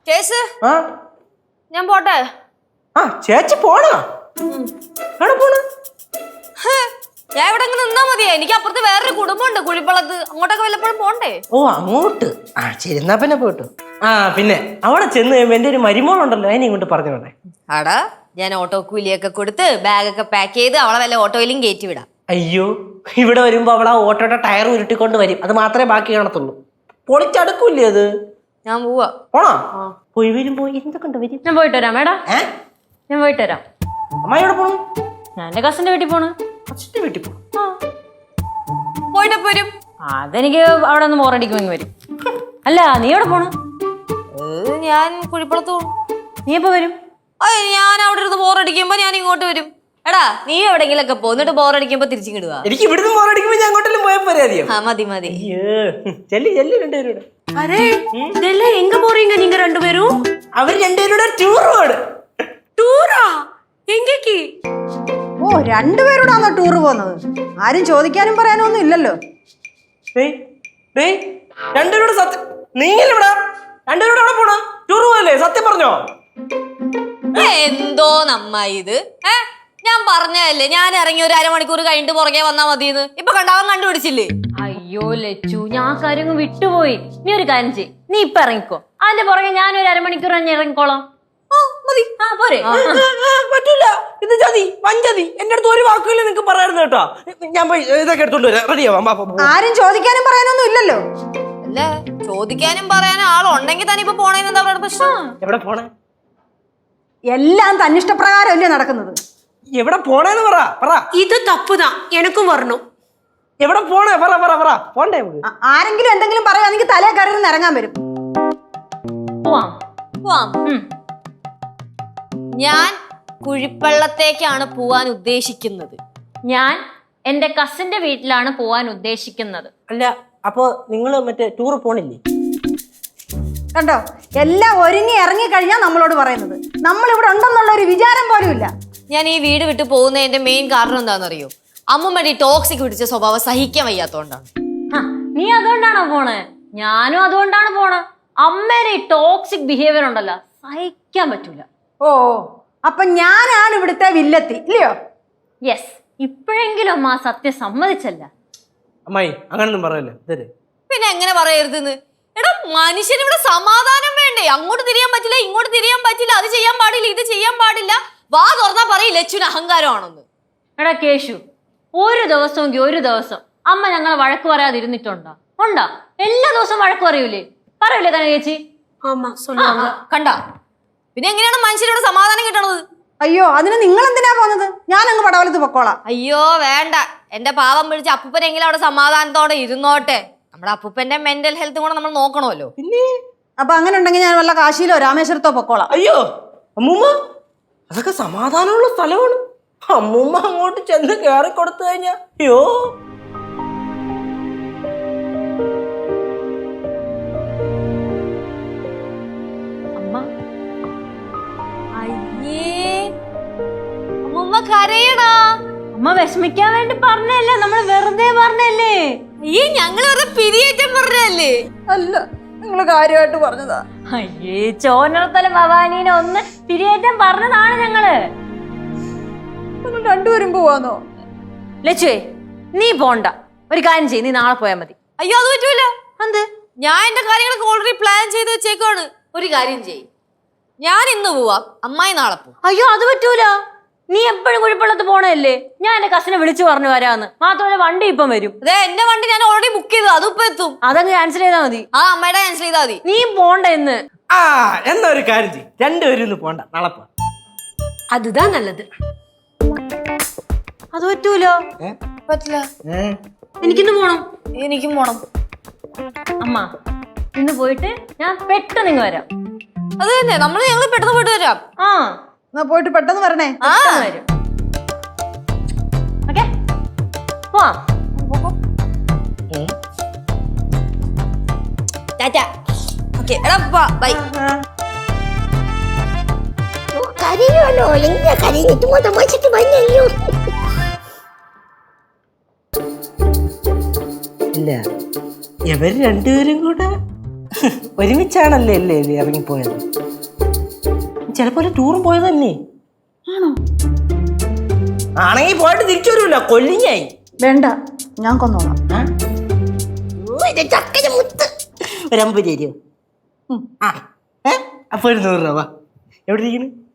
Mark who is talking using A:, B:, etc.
A: ചേച്ചി ഞാൻ പോട്ടെ.
B: ചേച്ചി പോണോ? പോണ
A: ഞാൻ ഇവിടെ നിന്നാ മതിയാ. എനിക്ക് അപ്പുറത്ത് വേറൊരു കുടുംബമുണ്ട് കുഴിപ്പള്ളത്ത്. അങ്ങോട്ടൊക്കെ വല്ലപ്പോഴും പോണ്ടേ?
B: ഓ അങ്ങോട്ട്. ശരി എന്നാ പിന്നെ പോട്ടു. പിന്നെ അവിടെ ചെന്ന് കഴിയുമ്പോ എന്റെ ഒരു മരുമോളുണ്ടല്ലോ, അതിനെ ഇങ്ങോട്ട് പറഞ്ഞോട്ടെ.
A: ആടാ ഞാൻ ഓട്ടോ കൂലിയൊക്കെ കൊടുത്ത് ബാഗൊക്കെ പാക്ക് ചെയ്ത് അവളെ വല്ല ഓട്ടോയിലും കയറ്റി വിടാം.
B: അയ്യോ, ഇവിടെ വരുമ്പോ അവളെ ഓട്ടോയുടെ ടയർ ഉരുട്ടിക്കൊണ്ട് വരും. അത് മാത്രമേ ബാക്കി കാണത്തുള്ളൂ. പൊളിച്ചടുക്കൂല്ലേ അത്.
A: ഞാൻ പോവാ.
B: പോണോ? പോയി വരുമ്പോ എന്തൊക്കെ വരും.
C: ഞാൻ പോയിട്ട് വരാം മേഡം. ഞാൻ പോയിട്ട് വരാം.
B: അമ്മായി എവിടെ പോണു?
C: ഞാൻ എന്റെ കസിന്റെ വീട്ടിൽ പോണു.
B: കസിന്റെ വീട്ടിൽ പോണു?
A: പോയിട്ട് വരും.
C: അതെനിക്ക് അവിടെ ഒന്ന് ബോറടിക്കുമെങ്കിൽ വരും. അല്ല നീ എവിടെ പോണു?
A: ഞാൻ കുഴിപ്പള്ളത്ത് പോണു.
C: നീ എപ്പോ വരും?
A: ഞാൻ അവിടെ ഇരുന്ന് ബോറടിക്കുമ്പോ ഞാൻ ഇങ്ങോട്ട് വരും. എടാ നീ എവിടെങ്കിലൊക്കെ പോന്നിട്ട് ബോറടിക്കുമ്പോ തിരിച്ചിടുക.
B: എനിക്ക് ഇവിടുന്ന് ബോറടിക്കുമ്പോ ഞാൻ അങ്ങോട്ടെല്ലാം പോയാൽ പോരാ?
A: മതി മതി.
B: ചെല്ലി രണ്ടുപേരോട്.
D: அரே இதெல்லாம் எங்க போறீங்க நீங்க ரெண்டு பேரும்?
B: അവർ രണ്ടുപേരുടെ ടൂർ പോണ്.
D: ടൂറാ? എങ്കേക്ക്?
E: ഓ രണ്ടുപേരോടാണോ ടൂർ പോകുന്നത്? ആരും ചോദിക്കാനും പറയാനും ഒന്നും ഇല്ലല്ലോ.
B: രണ്ടുപേരോട് സത്യം നീങ്ങില്ലടാ. രണ്ടുപേരോട് അവിടെ പോണ ടൂർ പോയല്ലേ? സത്യം പറഞ്ഞോ?
A: എന്തോ നമ്മ ഇത് ഞാൻ പറഞ്ഞതല്ലേ, ഞാൻ ഇറങ്ങി ഒരു അരമണിക്കൂർ കഴിഞ്ഞിട്ട് പുറകെ വന്നാ മതിയെന്ന്. ഇപ്പൊ കണ്ടാവൻ കണ്ടുപിടിച്ചില്ലേ?
C: അയ്യോ ലച്ചു, ഞാൻ കാര്യം വിട്ടുപോയി. നീ ഒരു കാര്യം ചെയ്യ്, നീ ഇപ്പൊ ഇറങ്ങിക്കോ. അതിന്റെ പുറകെ ഞാൻ ഒരു അരമണിക്കൂർ തന്നെ ഇറങ്ങിക്കോളാം. പോരെ?
B: പറ്റൂല, ഇത് ചതി വഞ്ചതി. എന്റെ അടുത്ത് ഒരു വാക്കുകൾ നിനക്ക് പറയായിരുന്നു കേട്ടോ. ഞാൻ പോയി ഇതൊക്കെ എടുത്തോണ്ട് വരാം. റെഡിയാവാം.
E: ആരും ചോദിക്കാനും പറയാനൊന്നും ഇല്ലല്ലോ.
A: അല്ല ചോദിക്കാനും പറയാനും ആളുണ്ടെങ്കിൽ തന്നെ ഇപ്പൊ പോണേന്ന് എന്താ പ്രശ്നം?
B: എവിടെ പോണേ?
E: എല്ലാം തന്നിഷ്ടപ്രകാരം അല്ലേ നടക്കുന്നത്.
B: എവിടെ പോണേന്ന് പറ.
D: ഇത് തപ്പുതാ, എനക്കും വരണം.
B: എവിടെ പോണേ? പറ. പോണ്ടേ?
E: ആരെങ്കിലും എന്തെങ്കിലും പറയുകയാണെങ്കിൽ തലേ കയറി ഇറങ്ങാൻ വരും.
A: പോവാം. ഞാൻ കുഴിപ്പള്ളത്തേക്കാണ് പോവാൻ ഉദ്ദേശിക്കുന്നത്.
C: ഞാൻ എന്റെ കസിന്റെ വീട്ടിലാണ് പോവാൻ ഉദ്ദേശിക്കുന്നത്.
B: അല്ല അപ്പൊ നിങ്ങള് മറ്റേ ടൂർ പോണില്ലേ?
E: കണ്ടോ, എല്ലാം ഒരുങ്ങി ഇറങ്ങിക്കഴിഞ്ഞാൽ നമ്മളോട് പറയുന്നത്. നമ്മൾ ഇവിടെ ഉണ്ടെന്നുള്ള ഒരു വിചാരം പോലും ഇല്ല.
A: ഞാൻ ഈ വീട് വിട്ടു പോകുന്നതിന്റെ മെയിൻ കാരണം എന്താണെന്നറിയോ? അമ്മുമ്മയുടെ ടോക്സിക് പിടിച്ച സ്വഭാവം സഹിക്കാൻ വയ്യാത്തോണ്ടാണ്.
C: നീ അതുകൊണ്ടാണോ പോണേ? ഞാനും അതുകൊണ്ടാണ് പോണേ. അമ്മേരെ ഈ ടോക്സിക് ബിഹേവിയർ ഉണ്ടല്ലോ, സഹിക്കാൻ പറ്റൂല.
E: ഓ അപ്പൊ ഞാനാണ് ഇവിടുത്തെ വില്ലത്തി ഇല്ലയോ?
C: യെസ്, ഇപ്പോഴെങ്കിലും അമ്മ ആ സത്യം സമ്മതിച്ചല്ല.
B: അമ്മായി അങ്ങനൊന്നും പറയല്ലേ.
A: പിന്നെ എങ്ങനെ പറയരുതെന്ന്? എടാ മനുഷ്യന് ഇവിടെ സമാധാനം വേണ്ടേ? അങ്ങോട്ട് തിരിയാൻ പറ്റില്ല, ഇങ്ങോട്ട് തിരിയാൻ പറ്റില്ല, അത് ചെയ്യാൻ പാടില്ല, ഇത് ചെയ്യാൻ പാടില്ല. വാ തുറന്നാ പറയും ലച്ചുവിന് അഹങ്കാരമാണെന്ന്.
C: എടാ കേശു, ഒരു ദിവസമെങ്കിൽ ഒരു ദിവസം അമ്മ ഞങ്ങളെ വഴക്ക് പറയാതിരുന്നിട്ടുണ്ടോ? ഉണ്ടാ? എല്ലാ ദിവസവും വഴക്ക് പറയൂലേ? പറയൂലേ കന ചേച്ചി?
D: ஆமா சொல்லுவாங்க.
A: കണ്ട പിന്നെ എങ്ങനെയാണ് മനുഷ്യരോട് സമാധാനം കിട്ടണത്?
E: അയ്യോ അതിന് നിങ്ങൾ എന്തിനാ പോകുന്നത്? ഞാൻ അങ്ങ് പടവലത്ത് പൊക്കോളാം.
A: അയ്യോ വേണ്ട, എന്റെ പാവം പിടിച്ച് അപ്പൂപ്പനെങ്കിലും അവിടെ സമാധാനത്തോടെ ഇരുന്നോട്ടെ. നമ്മുടെ അപ്പൂപ്പന്റെ മെന്റൽ ഹെൽത്ത് കൂടെ നമ്മൾ നോക്കണമല്ലോ.
B: പിന്നെ
E: അപ്പൊ അങ്ങനെ ഉണ്ടെങ്കിൽ ഞാൻ വല്ല കാശിയിലോ രാമേശ്വരത്തോ പൊക്കോളാം.
B: അയ്യോ അമ്മൂമ്മ, അതൊക്കെ സമാധാനമുള്ള സ്ഥലമാണ്. അമ്മൂമ്മ അങ്ങോട്ട് ചെന്ന് കേറി കൊടുത്തു കഴിഞ്ഞാ അയ്യോ.
C: അമ്മ
A: അയ്യേ അമ്മൂമ്മ കരയടാ.
C: അമ്മ വിഷമിക്കാൻ വേണ്ടി പറഞ്ഞല്ലേ, നമ്മൾ വെറുതെ പറഞ്ഞല്ലേ.
A: ഈ ഞങ്ങൾ വെറുതെ പിരിയേറ്റം പറഞ്ഞല്ലേ?
E: അല്ല, നിങ്ങൾ കാര്യമായിട്ട് പറഞ്ഞതാ.
C: അയ്യേ ചോനർത്തല ഭവാനീനെ ഒന്ന് പിരിയേറ്റം പറഞ്ഞതാണ് ഞങ്ങള്.
E: നിങ്ങൾ രണ്ടുപേരും പോവാന്നോ?
C: ലച്ചുവേ നീ പോണ്ട, ഒരു കാര്യം ചെയ്യ്, നീ നാളെ പോയാൽ മതി.
A: അയ്യോ അത് പറ്റൂല. എന്ത്? ഞാൻ എന്റെ കാര്യങ്ങളൊക്കെ ഓൾറെഡി പ്ലാൻ ചെയ്ത് വെച്ചേക്കാണ്. ഒരു കാര്യം ചെയ്യ്, ഞാൻ ഇന്ന് പോവാം, അമ്മായി നാളെ പോവാം.
C: അയ്യോ അത് പറ്റൂല, നീ എപ്പോഴും കുഴിപ്പള്ളത്ത് പോണല്ലേ. ഞാൻ എന്റെ കസിനെ വിളിച്ചു പറഞ്ഞു വരാന്ന്. മാത്രമല്ല വണ്ടി ഇപ്പം വരും.
A: അതെ എന്റെ വണ്ടി ഞാൻ ഓൾറെഡി ബുക്ക് ചെയ്തു, അതിപ്പോ എത്തും.
C: അതങ്ങ് ക്യാൻസൽ ചെയ്താൽ മതി.
A: അമ്മയുടെ ക്യാൻസൽ ചെയ്താൽ മതി.
C: നീ പോണ്ട ഇന്ന്.
B: എന്നാ ഒരു കാര്യം ചെയ്യും, രണ്ടുപേരും ഇന്ന് പോണ്ട, നാളെ പോ.
D: அதுதான் நல்லது.
C: അത് പറ്റൂലോ.
A: പറ്റില്ല,
C: എനിക്കിന്ന് പോണം.
A: എനിക്കും പോണം.
C: അമ്മ ഇന്ന് പോയിട്ട് ഞാൻ പെട്ടെന്ന് ഇങ്ങ് വരാം.
A: അത് തന്നെ, ഞങ്ങൾ പെട്ടെന്ന് പോയിട്ട് വരാം.
E: എന്നാ പോയിട്ട് പെട്ടെന്ന് വരണേ.
C: വരും. ഓക്കെ പോവാം.
A: ടാറ്റാ. ഓക്കെ എടാ ബൈ.
F: കരയുമല്ലോ, എങ്ങനെ കരഞ്ഞിട്ട് തമാശക്ക് വന്നല്ലോ.
B: ഇല്ല ഇവർ രണ്ടുപേരും കൂടെ ഒരുമിച്ചാണല്ലേ അല്ലേ ഇറങ്ങിപ്പോയത്? ചിലപ്പോ ടൂറും പോയതല്ലേ?
E: ആണോ?
B: ആണെങ്കിൽ പോയിട്ട് തിരിച്ചു വരുമല്ലോ, കൊല്ലിങ്ങായി.
E: വേണ്ട, ഞാൻ കൊന്നോളാം.
F: ചക്കര മുത്ത്
B: ഒരു 50 രൂപ. അപ്പൊ ഒരു 100 രൂപ. എവിടെ ഇരിക്കുന്നു?